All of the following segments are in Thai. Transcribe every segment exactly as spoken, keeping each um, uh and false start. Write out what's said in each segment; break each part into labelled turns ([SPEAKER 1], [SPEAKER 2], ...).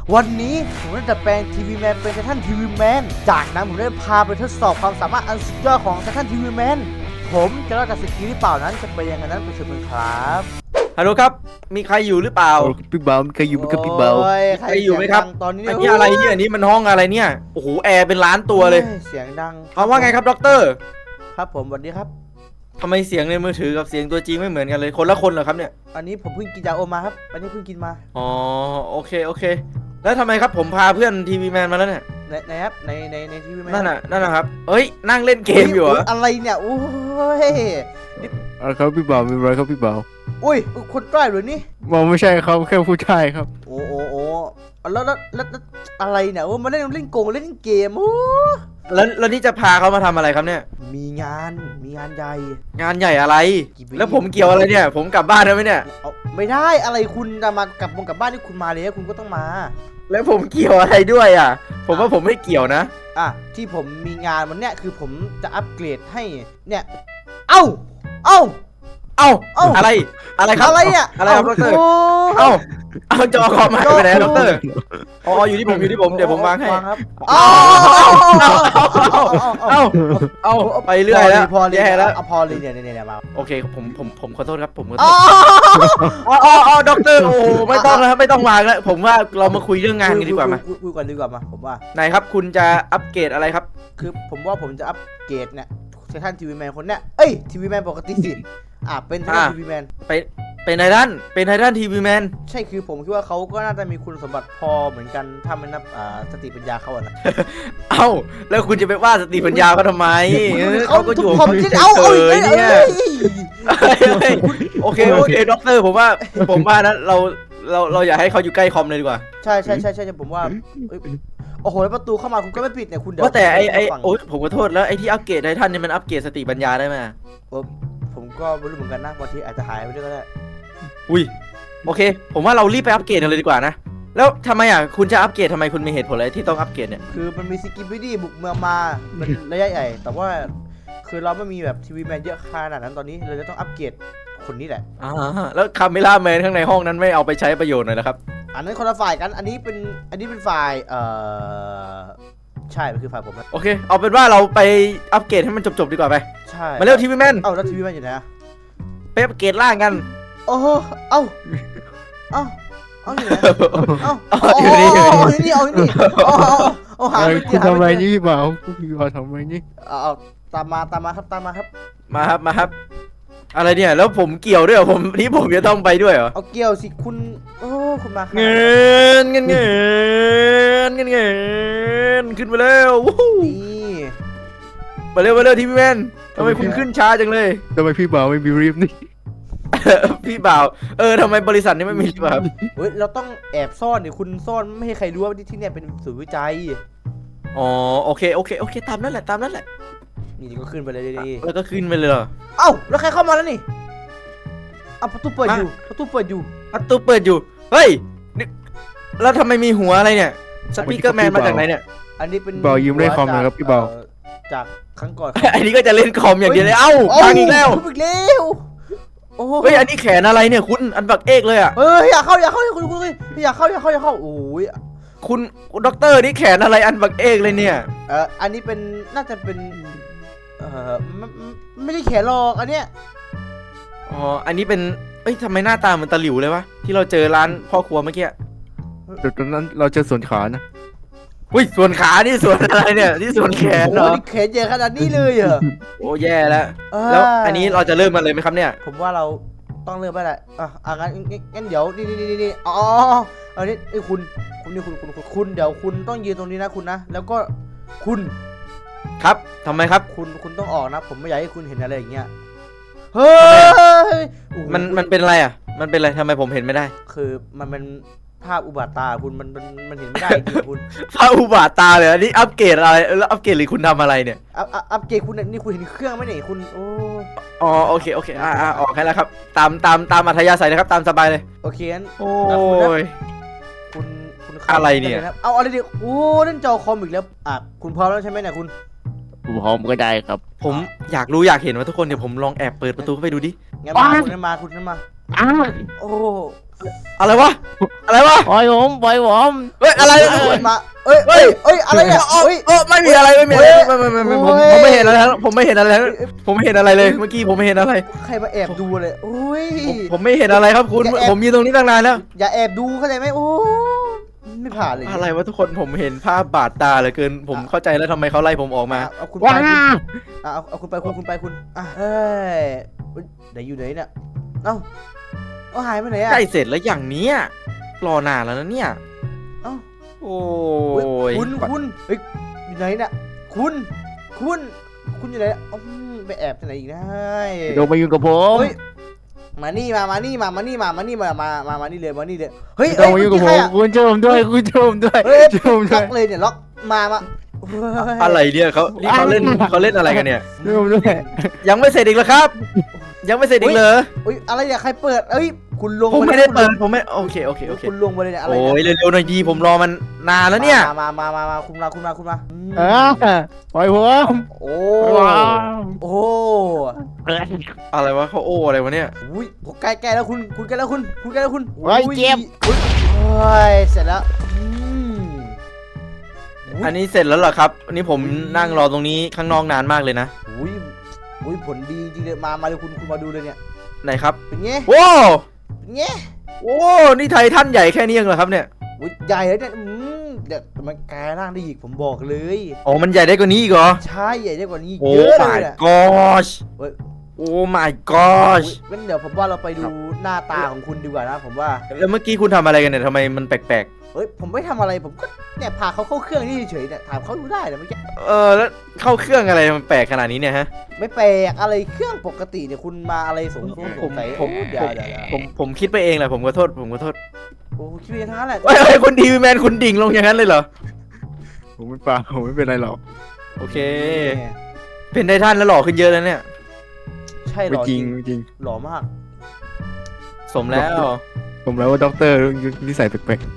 [SPEAKER 1] วันนี้ผมได้ดัดแปลงทีวีแมนเป็นไททันทีวีแมนจากนั้นผมได้พาไปทดสอบความสามารถอันสุดยอดของไททันทีวีแมนผมจะรอดจากสกิลหรือเปล่านั้นจะเป็นยังไงนั้นไปชมกันครับ
[SPEAKER 2] ฮัลโหลครับมีใครอยู่หรือเปล่า
[SPEAKER 3] พี่เบาใครอยู่กับพี่เบา
[SPEAKER 1] ใครอยู่ไหมครับตอนนี้
[SPEAKER 2] อันนี้อะไรเนี่ยอันนี้มันห้องอะไรเนี่ยโอ้โหแอร์เป็นล้านตัวเลย
[SPEAKER 1] เสียงดัง
[SPEAKER 2] เขาว่าไงครับด็อกเตอร์
[SPEAKER 1] ครับผมสวัสดีครับ
[SPEAKER 2] ทำไมเสียงในมือถือกับเสียงตัวจริงไม่เหมือนกันเลยคนละคนเหรอครับเนี่ย
[SPEAKER 1] อันนี้ผมเพิ่งกินยาโอมาครับอันนี้เพิ่งกินมา
[SPEAKER 2] อ๋อโอเคโอเคแล้วทำไมครับผมพาเพื่อนทีวีแมนมาแล้วเนี่ย
[SPEAKER 1] ในในครับในในในทีวีแมน
[SPEAKER 2] นั่นน่ะนั่นนะครับเอ้ยนั่งเล่นเกมอยู่เหรอ
[SPEAKER 1] อะไรเนี่ยโอ้ย
[SPEAKER 3] อะไรครับพี่เบามีอะไรครับพี่เบา
[SPEAKER 1] อุ้ยคนใต้หรือนี่
[SPEAKER 3] มองไม่ใช่ครับแค่ผู้ชายครับ
[SPEAKER 1] โอ้โอ้โอ้แล้วแล้วแล้วอะไรเนี่ยโอ้มาเล่นเล่นโกงเล่นเกมโอ้
[SPEAKER 2] แล้วแล้วนี่จะพาเขามาทำอะไรครับเนี่ย
[SPEAKER 1] มีงานมีงานใหญ่
[SPEAKER 2] งานใหญ่อะไรแล้วผมเกี่ยวอะไรเนี่ยผมกลับบ้านได้ไหมเนี่ย
[SPEAKER 1] ไม่ได้อะไรคุณจะมากลับมงกลับบ้านที่คุณมาเลยคุณก็ต้องมา
[SPEAKER 2] แล้วผมเกี่ยวอะไรด้วยอ่ะผมว่าผมไม่เกี่ยวนะ
[SPEAKER 1] อ่ะที่ผมมีงานวันเนี้ยคือผมจะอัปเกรดให้เนี่ยเอ้าเอ้า
[SPEAKER 2] เอ้าอะไรอะไรครับ
[SPEAKER 1] อะไรเนี่ย
[SPEAKER 2] อะไรครับดร.เอ้าเอาจอคอมมาไปไหนดร.อ๋ออยู่ที่ผมอยู่ที่ผมเดี๋ยวผมวางให้
[SPEAKER 1] เอ้า
[SPEAKER 2] เอ้าเอ้าไปเรื่อยแล้ว
[SPEAKER 1] พอเลยแล้วพอเลยเนี่ยเนี่ยเนี่ยมา
[SPEAKER 2] โอเคผมผมผมขอโทษครับผมขอโทษอ๋ออ๋อด็อกเตอร์โอ้ไม่ต้องแล้วไม่ต้องวางแล้วผมว่าเรามาคุยเรื่องงานกันดีกว่ามา
[SPEAKER 1] คุยกันดีกว่ามาผมว่า
[SPEAKER 2] ไหนครับคุณจะอัปเกรดอะไรครับ
[SPEAKER 1] คือผมว่าผมจะอัปเกรดเนี่ยไททันทีวีแมนคนเนี้ยเอ้ยทีวีแมนปกติสิอ่ะเป็นไททันทีวีแมน
[SPEAKER 2] ไปเป็นไททันเป็นไททันทีวีแมน
[SPEAKER 1] ใช่คือผมคิดว่าเขาก็น่าจะมีคุณสมบัติพอเหมือนกันถ้ามันนับอ่าสติปัญญาเขาอะนะ
[SPEAKER 2] เอ้าแล้วคุณจะไปว่าสติปัญญาเขาทำไมเขาก็อยู่
[SPEAKER 1] ผมจะเอาเอาเนี่ย
[SPEAKER 2] โอเคโอเคด็อกเตอร์ผมว่าผมว่านะเราเราเราอย่าให้เขาอยู่ใกล้คอมเลยดีกว่า
[SPEAKER 1] ใช่ใช่ใช่ใช่ผมว่าโอ้โหแล้วประตูเข้ามาคุณก็ไม่ปิดเนี่ยคุณเดี๋ยว
[SPEAKER 2] ว่าแต่ไอไอโอ๊ยผมขอโทษแล้วไอที่อัปเกรดไททันเนี่ยมันอัปเกรดสติปัญญาได้ไหม
[SPEAKER 1] ผมก็ไม่รู้เหมือนกันนะบางทีอาจจะหายไปด้วยก็ได้
[SPEAKER 2] อุ้ยโอเคผมว่าเรารีบไปอัปเกรดกันเลยดีกว่านะแล้วทำไมอ่ะคุณจะอัปเกรดทำไมคุณมีเหตุผลอะไรที่ต้องอัปเกรดเนี่ย
[SPEAKER 1] คือมันมีสกิปปี้ดี้บุกเมืองมามันระยะใหญ่แต่ว่าคือเราไม่มีแบบทีวีแมนเยอะขนาดนั้นตอนนี้เราจะต้องอัปเกรดคนนี้แหละ
[SPEAKER 2] อ่าแล้วคาเมล่าแมนข้างในห้องนั้นไม่เอาไปใช้ประโยชน์หน่อยนะครับ
[SPEAKER 1] อันนั้นคนละฝ่ายกันอันนี้เป็นอันนี้เป็นฝ่ายเอ่อใช่มันคือฝ่ายผมนะ
[SPEAKER 2] โอเคเอาเป็นว่าเราไปอัปเกรดให้มันจบๆดีกว่าไป
[SPEAKER 1] ใช่
[SPEAKER 2] มาเร็วทีวีแมน
[SPEAKER 1] เอ้าแล้วทีวีแมนอยู่ไหนอะ
[SPEAKER 2] ไปอัปเกรดล่างกัน
[SPEAKER 1] โอ้เอ้าเอ้าเอาอยู่ไหนเอ้า
[SPEAKER 2] อยู่นี่
[SPEAKER 1] อยู่นี่เอาอยู่นี่เอาเอาหา
[SPEAKER 3] คุณทำไมนี่พี่บ่าวพี่บ่าวทำไมนี่
[SPEAKER 1] เอาตามมาตามมาครับตามมาครับ
[SPEAKER 2] มาครับมาครับอะไรเนี่ยแล้วผมเกี่ยวด้วยเหรอผมนี่ผมจะต้องไปด้วยเหรอ
[SPEAKER 1] เอาเกี่ยวสิคุณโอ้คุณมา
[SPEAKER 2] เงินเงินเงินเงินเงินขึ้นมาแล้วนี่มาเร็วมาเร็วทีวีแมนทำไมคุณขึ้นช้าจังเลย
[SPEAKER 3] ทำไมพี่บ่าวไม่มีรีบนี่
[SPEAKER 2] พี่บ่าวเออทำไมบริษัทนี้ไม่มีแบบ
[SPEAKER 1] เฮ้ยเราต้องแอบซ่อนเนี่ยคุณซ่อนไม่ให้ใครรู้ว่าที่เนี่ยเป็นศูนย์วิจัย
[SPEAKER 2] อ๋อโอเคโอเคโอเคตามนั่นแหละตามนั่นแหละ
[SPEAKER 1] นี่ก็ขึ้นไปเลยดี
[SPEAKER 2] แล้วก็ขึ้นไปเลยเหรอ
[SPEAKER 1] เอ้าแล้วใครเข้ามาแล้วนี่อ้าวประตูเปิดอยู่ประตูเปิดอยู่
[SPEAKER 2] ประตูเปิดอยู่เฮ้ยแล้วทำไมมีหัวอะไรเนี่ยสปีกเกอร์แมนมาจากไหนเนี่ย
[SPEAKER 1] อันนี้เป็น
[SPEAKER 3] บ่าวยืมเล่นคอมนะครับพี่บ่าว
[SPEAKER 1] จากครั้งก่อน
[SPEAKER 2] อันนี้ก็จะเล่นคอมอย่างเดียวเลยเอ้าพังอีกแล้ว
[SPEAKER 1] อีกแล้ว
[SPEAKER 2] โอ้เฮ้ยอันนี้แขนอะไรเนี่ยคุณอันบักเอกเลยอ่ะ
[SPEAKER 1] เฮ้ยอยากเข้าอยากเข้าคุณคุณอยากเข้าอยากเข้าอยากเข้าโอ้ย
[SPEAKER 2] คุณด็อกเตอร์นี่แขนอะไรอันบักเอกเลยเนี่ย
[SPEAKER 1] เอออันนี้เป็นน่าจะเป็นเออไม่ได้แขนหรอกอันเนี้ย
[SPEAKER 2] อ๋ออันนี้เป็นเอ้ยทำไมหน้าตาเหมือนตะหลิวเลยวะที่เราเจอร้านพ่อครัวเมื่อกี้
[SPEAKER 3] เดี๋ยวตอนนั้นเราเจอส่วนขานะ
[SPEAKER 2] อุ้ยส่วนขานี่ส่วนอะไรเนี่ยนี่ส่วนแขนเหรอ
[SPEAKER 1] แขนใหญ่ขนาดนี้เลยเหรอ
[SPEAKER 2] โอ้แย่แล้วแล้วอันนี้เราจะเริ่มกันเลยไหมครับเนี่ย
[SPEAKER 1] ผมว่าเราต้องเริ่มไปแหละอ่ะอ่ะงั้นงั้นเดี๋ยวนี่นี่นี่นี่อ๋ออันนี้ไอ้คุณคุณนี่คุณคุณคุณเดี๋ยวคุณต้องยืนตรงนี้นะคุณนะแล้วก็คุณ
[SPEAKER 2] ครับทำไมครับ
[SPEAKER 1] คุณคุณต้องออกนะผมไม่อยากให้คุณเห็นอะไรอย่างเงี้ยเฮ้ย
[SPEAKER 2] มันมันเป็นอะไรอ่ะมันเป็นอะไรทำไมผมเห็นไม่ได้
[SPEAKER 1] คือมันเป็นภาพอุบัติตาคุณมันมันมันเห็นไม่ได้จริงคุณ
[SPEAKER 2] ภาพอุบัติตาเลยอันนี้อัปเกรดอะไรแล้วอัปเกรดหรือคุณทำอะไรเนี่ย
[SPEAKER 1] อัพอัปเกรดคุณนี่คุณเห็นเครื่องไหมเนี่ยคุณโอ้
[SPEAKER 2] อ๋อโอเคโอเคอ่าอ่าออกให้แล้วครับตามตามตามอัธยาศัยนะครับตามสบายเลย
[SPEAKER 1] โอเคงั้น
[SPEAKER 2] โอ้ย
[SPEAKER 1] คุณคุณ
[SPEAKER 2] อะไรเนี่ย
[SPEAKER 1] เอาอะไรดิโอ้เล่นจอคอมอีกแล้วอ่ะคุณพร้อมแล้วใช่ไหมเนี่ยคุณ
[SPEAKER 3] พร้อมก็ได้ครับ
[SPEAKER 2] ผมอยากรู้อยากเห็นว่าทุกคนเดี๋ยวผมลองแอบเปิดประตูเข้าไปดูดิ
[SPEAKER 1] งั้นมาคุณนั่นมาคุณนั่นมา
[SPEAKER 3] อ้าว
[SPEAKER 1] โอ้
[SPEAKER 2] อะไรวะอะไรวะ
[SPEAKER 3] ปล่อยผมปล่อยผม
[SPEAKER 2] เฮ้ยอะไร
[SPEAKER 1] เอ้ยมาเอ้ยเอ้ยเอ้ยอะไรเนี่ย
[SPEAKER 2] เอ้ย
[SPEAKER 1] เอ้ย
[SPEAKER 2] เออไม่มีอะไรไม่มีอะไรไม่ไม่ไม่ไม่ผม
[SPEAKER 1] โอ้ย
[SPEAKER 2] ผมไม่เห็นอะไรแล้วผมไม่เห็นอะไรแล้วผมไม่เห็นอะไรเลยเมื่อกี้ผมไม่เห็นอะไร
[SPEAKER 1] ใครมาแอบดูเลยอุ้ย
[SPEAKER 2] ผมผมไม่เห็นอะไรครับคุณ
[SPEAKER 1] อย่าแอบ
[SPEAKER 2] ผมยืนตรงนี้ตั้งนานแล้ว
[SPEAKER 1] อย่าแอบดูเข้าใจไหมโอ้ไม่ผ่านเลย
[SPEAKER 2] อะไรวะทุกคนผมเห็นภาพบาดตาเหลือเกินผมเข้าใจแล้วทำไมเขาไล่ผมออกมา
[SPEAKER 1] อ่ะเอาคุณไป
[SPEAKER 3] ว้า
[SPEAKER 1] คุณอ่ะเอาเอาคุณไปคุณคุณไปคุณอ่ะเอ้ยเฮ้ยไหนอยู่ไหนเนี่ยเอ้าเอาหายไปไหนอ่ะ
[SPEAKER 2] ใกล้เสร็จแล้วอย่างเนี้ยรอนานแล้วนะเนี่ย
[SPEAKER 1] เอ้า
[SPEAKER 2] โอ้
[SPEAKER 1] เฮ้ย
[SPEAKER 2] ย
[SPEAKER 1] คุณคุณเฮ้ยอยู่ไหนเนี่ยคุณคุณคุณอยู่ไหนเนี่ยอืมไปแอบที่ไหนอีกนะ
[SPEAKER 3] โดนมายุ่งกับผม
[SPEAKER 1] เฮ้ยมานี่มามานี่มามานี่มามานี่มามามามานี่เลยมานี่เลยเฮ้ย
[SPEAKER 3] โดนมายุ่งกับผมคุณช่วยผมด้วยคุณช่วยผมด้วย
[SPEAKER 1] เฮ้ย
[SPEAKER 3] ช่วยผมด้
[SPEAKER 1] ล็
[SPEAKER 3] ว
[SPEAKER 1] อย กเลยเนี่ยล็อกมามาเฮ้ย
[SPEAKER 2] อะไรเนี่ยเขานี่เขาเล่นเขาเล่นอะไรกันเนี่ย
[SPEAKER 3] ช่วยผมด้วย
[SPEAKER 2] ยังไม่เสร็จอีกเหรอครับ ยังไม่เสร็จอีกเหรอ
[SPEAKER 1] เฮ้ยอะไรเนี่ยใครเปิดเอ้ยคุณลง
[SPEAKER 2] ผม
[SPEAKER 1] า
[SPEAKER 2] ไม่ได้เปิดผมไม่โอเคโอเคโอเค
[SPEAKER 1] คุณลงไปเลยเนี่ยอะไร
[SPEAKER 2] โอ้ย
[SPEAKER 1] เนี่ย
[SPEAKER 2] เร็วๆหน่อยดีผมรอมันนานแล้วเนี่ย
[SPEAKER 1] มามามามามาคุณมาคุณมาคุณมาอืม
[SPEAKER 3] อ่าปล่อยผม
[SPEAKER 1] โอ้
[SPEAKER 3] ว้าว
[SPEAKER 1] โอ้
[SPEAKER 2] อะไรวะเขาโอ้อะไรวะเนี่ย
[SPEAKER 1] อุ้ยผมใกล้ใกล้แล้วคุณคุณใกล้แล้วคุณคุณใกล้แล้วคุณ
[SPEAKER 3] ไว้เจ็บ
[SPEAKER 1] อุ้ยโอ้ยเสร็จแล้วอืมย
[SPEAKER 2] อันนี้เสร็จแล้วเหรอครับอันนี้ผมนั่งรอตรงนี้ข้างนอกนานมากเลยนะ
[SPEAKER 1] อุ้ยอุ้ยผลดีจริงเลยมามาเลยคุณคุณมาดูเลยเนี่ย
[SPEAKER 2] ไหนครับ
[SPEAKER 1] เป็นไง
[SPEAKER 2] โอ้
[SPEAKER 1] เป็นไง
[SPEAKER 2] โอ้นี่ไททันใหญ่แค่นี้เองเหรอครับเนี่ย
[SPEAKER 1] อุ้ยใหญ่เลยเนี่ยอืมเดี๋ยวมันกลายร่างได้อีกผมบอกเลย
[SPEAKER 2] โอ้มันใหญ่ได้กว่านี้อีกเหรอ
[SPEAKER 1] ใช่ใหญ่ได้กว่านี้อีก
[SPEAKER 2] โอ้
[SPEAKER 1] เยอะเลย
[SPEAKER 2] my
[SPEAKER 1] เนี่ย
[SPEAKER 2] gosh
[SPEAKER 1] เฮ้ย
[SPEAKER 2] โอ้ my gosh
[SPEAKER 1] อุ๊ยงั้นเดี๋ยวผมว่าเราไปดูหน้าตาของคุณดีกว่านะผมว่า
[SPEAKER 2] แล้วเมื่อกี้คุณทำอะไรกันเนี่ยทำไมมันแปลก
[SPEAKER 1] เฮ้ยผมไม่ทำอะไรผมก็เนี่ยพาเขาเข้าเครื่องนี่เฉยๆเนี่ยถามเขาดูได้แต่ไม่อกี้
[SPEAKER 2] ๆเออแล้วเข้าเครื่องอะไรมันแปลกขนาดนี้เนี่ยฮะ
[SPEAKER 1] ไม่แปลกอะไรเครื่องปกติเนี่ยคุณมาอะไรสงสัย
[SPEAKER 2] ผม
[SPEAKER 1] สงสัย
[SPEAKER 2] ผม
[SPEAKER 1] เดี๋ยวเดี๋ยวเดี๋ยว
[SPEAKER 2] ผมผมคิดไปเองแหละผมขอโทษผมขอโทษ
[SPEAKER 1] โอ้คิดไปทั้งนั้นแหละ
[SPEAKER 2] เฮ้ยเฮ้ยคุณทีวีแมนคุณดิ่งลงอย่างนั้นเลยเหรอ
[SPEAKER 3] ผมไม่เปล่าผมไม่เป็นไรหรอก
[SPEAKER 2] โอเค เป็นไททันแล้วหล่อขึ้นเยอะแล้วเนี่ย
[SPEAKER 1] ใช่หร
[SPEAKER 3] ไม่
[SPEAKER 1] อ
[SPEAKER 3] จริงไม่จริง
[SPEAKER 1] หล่อมาก
[SPEAKER 2] สมแล้ว
[SPEAKER 3] ผมแล้วว่าด็อกเตอร์นิสัยแปลก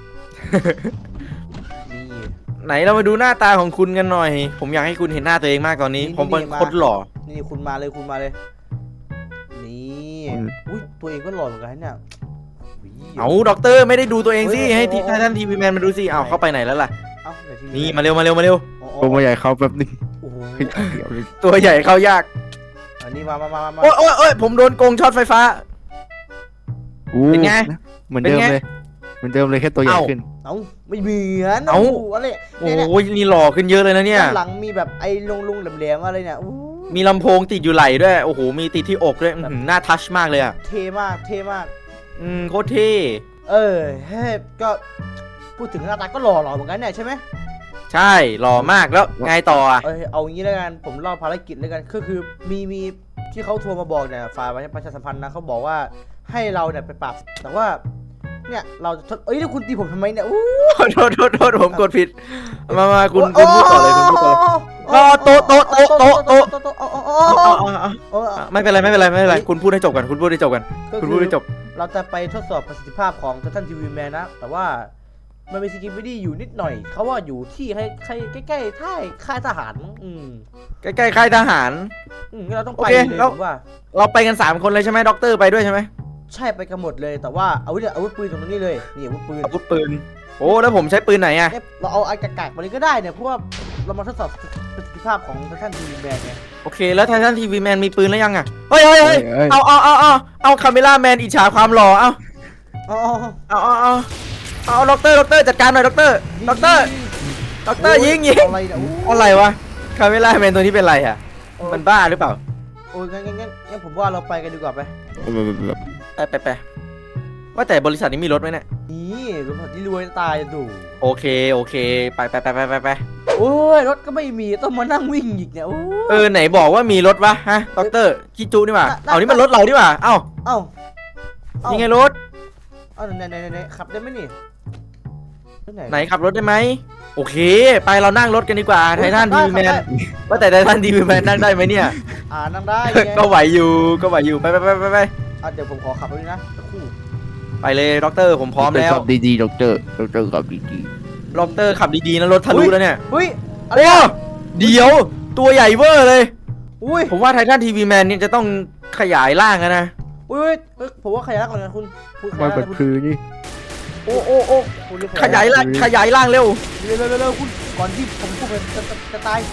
[SPEAKER 1] นี่
[SPEAKER 2] ไหนเรามาดูหน้าตาของคุณกันหน่อย ผมอยากให้คุณเห็นหน้าตัวเองมากตอนนี้ ผมเป็นคนหล่อ
[SPEAKER 1] นี่คุณมาเลยคุณมาเลย นี่อุ้ยตัวเองก็หล่อเหมือนกันเนี่ยอุ๊ย
[SPEAKER 2] เอาด็อกเตอร์ไม่ได้ดูตัวเองสิ
[SPEAKER 1] เฮ้ย
[SPEAKER 2] ให้
[SPEAKER 1] โอ้โอ้
[SPEAKER 2] ไททันทีวีแมนมาดูสิเอาเข้าไปไหนแล้วล่ะ
[SPEAKER 1] เอ้าเดี๋ยวที
[SPEAKER 2] นี่มาเร็วมาเร็วมาเร็ว
[SPEAKER 1] อ๋อ
[SPEAKER 3] ๆผมมาใหญ่เขาแป๊บนึง
[SPEAKER 1] โอ้โห
[SPEAKER 3] เดี๋ยวเลย
[SPEAKER 2] ตัวใหญ่เข้ายาก
[SPEAKER 1] อันนี้มามามามา
[SPEAKER 2] โอ้ยโอ้ยโอ้ยผมโดนโกงช็อตไฟฟ้า
[SPEAKER 3] อู้
[SPEAKER 2] เป็นไง
[SPEAKER 3] เหมือนเดิม
[SPEAKER 2] เป็นไง
[SPEAKER 3] เลยเหมือนเดิมเลยแค่ตัวใหญ่
[SPEAKER 2] เอ้า
[SPEAKER 3] ขึ้น
[SPEAKER 1] เอ้าไม่เหมือน
[SPEAKER 2] เอ้า
[SPEAKER 1] โโหอะไร
[SPEAKER 2] โอ
[SPEAKER 1] เนี่ยเนี่ย้
[SPEAKER 2] ยนี่หล่อขึ้นเยอะเลยนะเนี่ย
[SPEAKER 1] ด้านหลังมีแบบไอ้ลงลุงๆแหลมๆอะไรเนี่ยอู้
[SPEAKER 2] มีลำโพงติดอยู่ไหล่ด้วย โอ้โห มีติดที่อกด้วยอื้อหือหน้าทัชมากเลยอ่ะ
[SPEAKER 1] เท่มากเท่มาก
[SPEAKER 2] อืมโคตรเท่
[SPEAKER 1] เออเฮ้ยก็พูดถึงหน้าตาก็หล่อหล่อเหมือนกันเนี่ยใช่ไหม
[SPEAKER 2] ใช่หล่อมากแล้วไงต่ออ่ะ
[SPEAKER 1] เออเอางี้แล้วกันผมเล่าภารกิจแล้วกันก็คือมีมีที่เขาโทรมาบอกเนี่ยฝ่ายประชาสัมพันธ์นะเขาบอกว่าให้เราเนี่ยไปปราบแต่ว่าเนี่ยเราจะทดเอ้ยแล้วคุณตีผมทำไมเนี่ยอู้
[SPEAKER 2] โทษโทษโทษผมกดผิด มามาคุณคุณพูดต่อเลยคุณพูดต่อเลย อ๋อโต๊ะโต๊ะโต๊ะโต๊ะโต๊ะ
[SPEAKER 1] โต๊ะโต๊ะอ๋ออ๋อ
[SPEAKER 2] เอาเอาเอา
[SPEAKER 1] อ๋อ
[SPEAKER 2] เอาไม่เป็นไรไม่เป็นไรไม่เป็นไรคุณพูดให้จบกันคุณพูดให้จบกัน
[SPEAKER 1] ก็
[SPEAKER 2] คุณ
[SPEAKER 1] คื
[SPEAKER 2] พูด
[SPEAKER 1] อ
[SPEAKER 2] ให้จบ
[SPEAKER 1] เราจะไปทดสอบประสิทธิภาพของท่านทีวีแมนนะแต่ว่ามันมีสกิปวิดีอยู่นิดหน่อยเขาว่าอยู่ที่ใกล้ใกล้ใกล้ๆท่ายค่ายทหารอืม
[SPEAKER 2] ใกล้ๆค่ายทหาร
[SPEAKER 1] อืมงั้นเราต้อง
[SPEAKER 2] โอ
[SPEAKER 1] ไป
[SPEAKER 2] เค
[SPEAKER 1] เลย
[SPEAKER 2] แล้ว
[SPEAKER 1] ผมว่า
[SPEAKER 2] เราไปกันสามคนเลยใช่ไหมด็อกเตอร์ไปด้วยใช่ไหม
[SPEAKER 1] ใช่ไปกันหมดเลยแต่ว่าอาวุธเนี่ยอาวุธปืนตรงนี้เลยนี่อาวุธปืน
[SPEAKER 2] อาวุธปืนโอ้แล้วผมใช้ปืนไหนอ่ะ
[SPEAKER 1] เนี่ยเราเอาไอ้กากๆมาเลยก็ได้เนี่ยเพราะว่าเรามาทดสอบประสิทธิภาพของท่านทีวีแมนไง
[SPEAKER 2] โอเคแล้วไททันทีวีแมนมีปืนแล้วยังอ่ะเฮ้ยเฮ้ยเฮ้ย
[SPEAKER 3] เอ้ย
[SPEAKER 2] เอาเอาเอาเอาเอาคาเมล่าแมนอิจฉาความหล่อเอา
[SPEAKER 1] อ๋อ
[SPEAKER 2] เอาเอาเอาเอาด็อกเตอร์ด็อกเตอร์จัดการหน่อยด็อกเตอร์ด็อกเตอร์ด็อกเตอร์ยิงยิง
[SPEAKER 1] อะไรเนี่ยโอ้
[SPEAKER 2] อะไรวะคาเมล่าแมนตัวนี้เป็นไรอ่ะมันบ้าหรือเปล่า
[SPEAKER 1] โอ้ยงั้นงั้นงั้นงั้นผมว่าเราไปกันดีกว่าไป
[SPEAKER 2] ไปไปไปว่าแต่บริษัทนี้มีรถไหมเนี่ย
[SPEAKER 1] นี่รถที่รวยตายจะดู
[SPEAKER 2] โอเคโอเคไปไปไปไปไปไป
[SPEAKER 1] โอ้ยรถก็ไม่มีต้องมานั่งวิ่งอีกเนี่ยโอ้ย
[SPEAKER 2] เออไหนบอกว่ามีรถวะฮะด็อกเตอร์คิจูนี่หว่า
[SPEAKER 1] น่ะ
[SPEAKER 2] เอานี่มันรถเรานี่หว่าเอ้า
[SPEAKER 1] เอ้าเอ้า
[SPEAKER 2] นี่ไงรถ
[SPEAKER 1] เอ้าไหนไหนไหนไหนขับได้ไหมนี่
[SPEAKER 2] ไหนขับรถได้ไหมโอเค ไปเรานั่งรถกันดีกว่าไททัน
[SPEAKER 1] ขั
[SPEAKER 2] ที
[SPEAKER 1] บ
[SPEAKER 2] วี
[SPEAKER 1] ได้
[SPEAKER 2] แมน
[SPEAKER 1] ขับได้
[SPEAKER 2] ว่าแต่ไททันทีวีแมนนั่งได้ไหมเนี่ย
[SPEAKER 1] อ่านั่งได้ไง
[SPEAKER 2] ก็ไหวอยู่ก็ไหวอยู่ไปไปไปไปไป
[SPEAKER 1] อ่ะเดี๋ยวผมขอขับรถด้วยนะสักครู่
[SPEAKER 2] ไปเลยด็อกเตอร์ผมพร้อมแล้ว
[SPEAKER 3] ขับดีๆด็อกเตอร์ด็อกเตอร์ขับดี
[SPEAKER 2] ด็อกเตอร์ขับดีๆนะรถทะลุแล้วเนี่ย
[SPEAKER 1] เฮ้ยอะไร
[SPEAKER 2] โอ้
[SPEAKER 1] อ่ะ
[SPEAKER 2] เดี๋ยวตัวใหญ่เวอร์เลย
[SPEAKER 1] อุ้ย
[SPEAKER 2] ผมว่าไททันทีวีแมนเนี่ยจะต้องขยายร่างอะนะ
[SPEAKER 1] อุ้อุ้ยเฮ้ยผมว่าขยายร่างก่อนนะคุณคุณข
[SPEAKER 3] มั
[SPEAKER 1] ยาน ยร่าง
[SPEAKER 3] เป็น
[SPEAKER 1] นะคุณ
[SPEAKER 3] คือนี่
[SPEAKER 1] โอ้โอ้โอ้คุณรีบ
[SPEAKER 2] ขยายร่างขยายร่างเร็ว
[SPEAKER 1] เร็วเร็วเร็วเร็วคุณก่อนที่ผมพูดไปจะจะจะตาย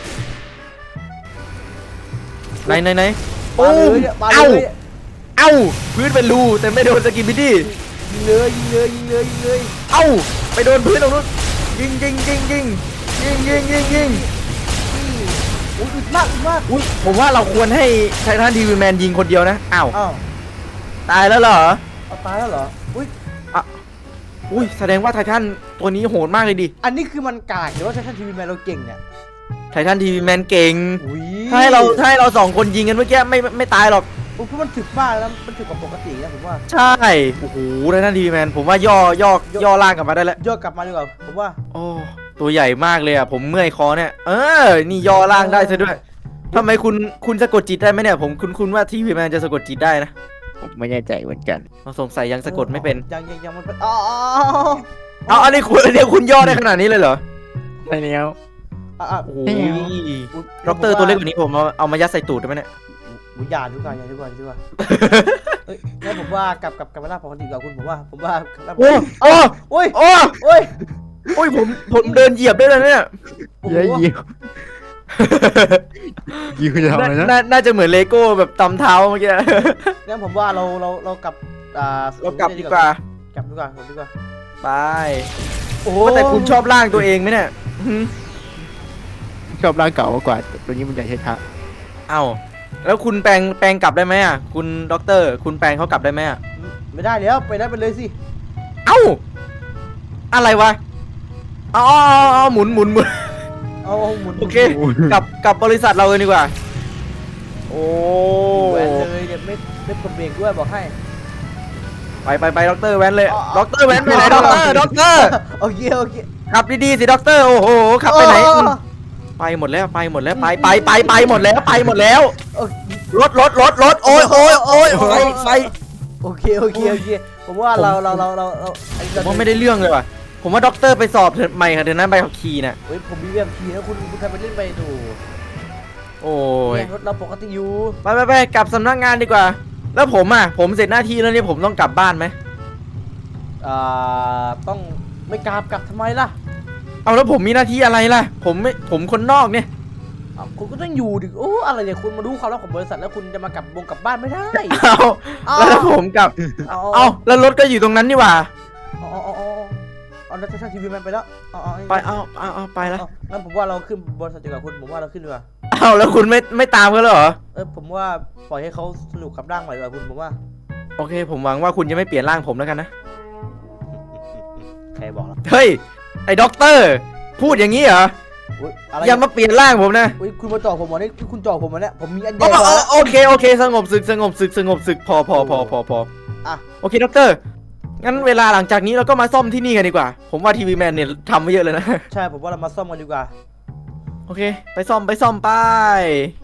[SPEAKER 2] ไหนไหนไหน
[SPEAKER 1] มาเลยเนี่ยมาเล
[SPEAKER 2] เอ้าย เอ้าพื้นเป็นรูแต่ไม่โดนสกินบิดดี้
[SPEAKER 1] ยิงเลยยิงเลยยิงเลยยิงเลย
[SPEAKER 2] เอ้าไปโดนพื้นตรงนู้นยิงยิงยิงยิงยิงยิงยิงยิง
[SPEAKER 1] โอ้ยอึดมากอึดมาก
[SPEAKER 2] อุ้ยผมว่าเราควรให้ไททันทีวีแมนยิงคนเดียวนะอ้าว
[SPEAKER 1] อ้าว
[SPEAKER 2] ตายแล้วเหรอ
[SPEAKER 1] เอาตายแล้วเหรออุ้ย
[SPEAKER 2] อุ้ยแสดงว่าไททันตัวนี้โหดมากเลยดิ
[SPEAKER 1] อันนี้คือมันกากหรือว่าไททันทีวีแมนเราเก่งเนี่ย
[SPEAKER 2] ไททันทีวีแมนเก่ง
[SPEAKER 1] อุ้ย
[SPEAKER 2] ถ้าให้เราถ้าให้เราสองคนยิงกันเมื่อกี้ไม่ไม่ไม่ตายหรอก
[SPEAKER 1] โอ้ยเพราะมันถึกมากแล้วมันถึกกว่าปกตินะผมว่า
[SPEAKER 2] ใช่โอ้โหไททันทีวีแมนผมว่าย่อย่อย่อล่างกลับมาได้แล้ว
[SPEAKER 1] ย่อกลับมาดีกว่าผมว่า
[SPEAKER 2] โอ้ตัวใหญ่มากเลยอ่ะผมเมื่อยคอเนี่ยเออนี่ย่อล่างได้ซะด้วยทำไมคุณคุณสะกดจิตได้ไหมเนี่ยผมคุณคุณว่าทีวีแมนจะสะกดจิตได้นะ
[SPEAKER 3] ผมไม่แน่ใจเหมือนกัน
[SPEAKER 2] เราสงสัยยังสะกดไม่เป็น
[SPEAKER 1] ยังยังยังมันเป็นอ๋อ
[SPEAKER 2] เอาอันนี้คุณอันนี้คุณย่อได้ขนาดนี้เลยเหรอ
[SPEAKER 3] ใช่แล้ว
[SPEAKER 1] อ่ะอ่ะ
[SPEAKER 2] โอ้โหด็อกเตอร์ตัวเล็กกว่านี้ผมเอาเอามายัดใส่ตูดได้ไหมเนี่ย
[SPEAKER 1] อุ้ยอย่าดีกว่าอย่าดีกว่าดีกว่าเอ้ยงั้นผมว่ากลับกลับกลับมาหน้าปกติดีกว่าคุณผมว่าผมว่า
[SPEAKER 2] โอ้โอ้
[SPEAKER 1] โอ้ย
[SPEAKER 2] โอ้
[SPEAKER 1] โอ้ย
[SPEAKER 2] โอ้ยผมผมเดินเหยียบได้เลยเนี่ย
[SPEAKER 1] โอ้โห
[SPEAKER 3] เย้ยิวยิวจะทำอะไร
[SPEAKER 2] น่า
[SPEAKER 3] นะ
[SPEAKER 2] น่าน่าจะเหมือนเลโก้แบบตำเท้าเมื่อกี้
[SPEAKER 1] งั้นผมว่าเราเราเรากลับอ่า
[SPEAKER 2] เรากลับดีกว่า
[SPEAKER 1] กลับดีกว่าผมดีกว่า
[SPEAKER 2] ไป
[SPEAKER 1] โอ้
[SPEAKER 2] ว่าแต่คุณชอบร่างตัวเองไหมเนี่ยหืม
[SPEAKER 3] ชอบร่างเก่ามากกว่าตัวนี้มันใหญ่ช้า
[SPEAKER 2] เอ้าแล้วคุณแปลงแปลงกลับได้ไหมอ่ะคุณด็อกเตอร์ คุณแปลงเขากลับได้ไหมอ่ะ
[SPEAKER 1] ไม่ได้แล้วไปได้ไปเลยสิ
[SPEAKER 2] เอ้าอะไรวะอ๋ออ๋อหมุนหมุนหมุน
[SPEAKER 1] เอาเอาหมุน
[SPEAKER 2] โอเค กลับกลับบริษัทเราเลยดีกว่า โอ้
[SPEAKER 1] แหวนเลยเดี๋ยวไม่ไม่กดเบรกด้วยบอกให้
[SPEAKER 2] ไปไปไปด็อกเตอร์แว้นเลย
[SPEAKER 1] อ๋อ
[SPEAKER 2] ด็อกเตอร์แว้นไปไหนด็อกเตอร์ด็อกเตอร์
[SPEAKER 1] โอเคโอเค
[SPEAKER 2] ขับดีๆสิด็อกเตอร์โอ้โหขับไปไหนอืมไปหมดแล้วไปหมดแล้วไปไปไปไปหมดแล้วไปหมดแล้ว
[SPEAKER 1] โอ
[SPEAKER 2] รถรถรถรถโอ้ยโอ้ยโอ้ยไฟไฟ
[SPEAKER 1] โอเคโอเคโอเคผมว่าเราเราเราเราเราไอ้
[SPEAKER 2] ผมว่าไม่ได้เรื่องเลยว่ะผมว่าด็อกเตอร์ไปสอบเถอะใหม่ค่ะเดี๋ยวนั้นใบขับขี่น่ะ
[SPEAKER 1] เฮ้ยผมมีแบบทีนะคุณคุณใครไปเล่นไปดู
[SPEAKER 2] โอ้ย
[SPEAKER 1] เนี่ยรถเราปกติอยู่
[SPEAKER 2] ไปไปไปกลับสำนักงานดีกว่า แล้วผมอ่ะผมเสร็จหน้าที่แล้วเนี่ยผมต้องกลับบ้านไหม
[SPEAKER 1] อ่าต้องไม่กราบกลับทำไมล่ะ
[SPEAKER 2] เอาแล้วผมมีหน้าที่อะไรล่ะ ผมไม่ผมคนนอกเนี่ย
[SPEAKER 1] อ้าวคุณก็ต้องอยู่ดิโอ้อะไรเนี่ยคุณมารู้ความลับของบริษัทแล้วคุณจะมากลับวงกลับบ้านไม่ได้
[SPEAKER 2] เอาแล้วถ้าผมกลับ
[SPEAKER 1] เอา
[SPEAKER 2] เอาแล้วรถก็อยู่ตรงนั้นนี่หว่า
[SPEAKER 1] เอาเอาเอาเอาเอาแล้วถ้าทีวีมันไปแล้วเอาเอา
[SPEAKER 2] ไปเอาเอาเอาไปแล้ว
[SPEAKER 1] เอางั้นผมว่าเราขึ้นบริษัทดีกว่าคุณผมว่าเราขึ้นดีกว่า
[SPEAKER 2] เอาแล้วคุณไม่ไม่ตามเขาเลยเหรอ
[SPEAKER 1] เออผมว่าปล่อยให้เขาสนุกกับร่างใหม่ดีกว่าคุณผมว่า
[SPEAKER 2] โอเค ผมหวังว่าคุณจะไม่เปลี่ยนร่างผมแล้วกันนะ
[SPEAKER 1] ใครบอกล่ะ
[SPEAKER 2] เฮ้ยไอ้ด็อกเตอร์พูดอย่างนี้เหรอ
[SPEAKER 1] อุ๊ยอะไร
[SPEAKER 2] อย่ามาเปลี่ยนร่างผมนะ
[SPEAKER 1] อุ้ยคุณมาจ่อผมเหรอนี่คุณจ่อผมเหรอเนี่ยผมมีอันให
[SPEAKER 2] โอ
[SPEAKER 1] ญ่กว่า
[SPEAKER 2] โอเคโอเคสงบศึกสงบศึกสงบศึกพอพอพอพอพอ
[SPEAKER 1] อ่ะ
[SPEAKER 2] โอเคด็อกเตอร์งั้นเวลาหลังจากนี้เราก็มาซ่อมที่นี่กันดีกว่า ผมว่าทีวีแมนเนี่ยทำไว้เยอะเลยนะ
[SPEAKER 1] ใช่ผมว่าเรามาซ่อมกันดีกว่า
[SPEAKER 2] โอเค ไปซ่อมไปซ่อมไป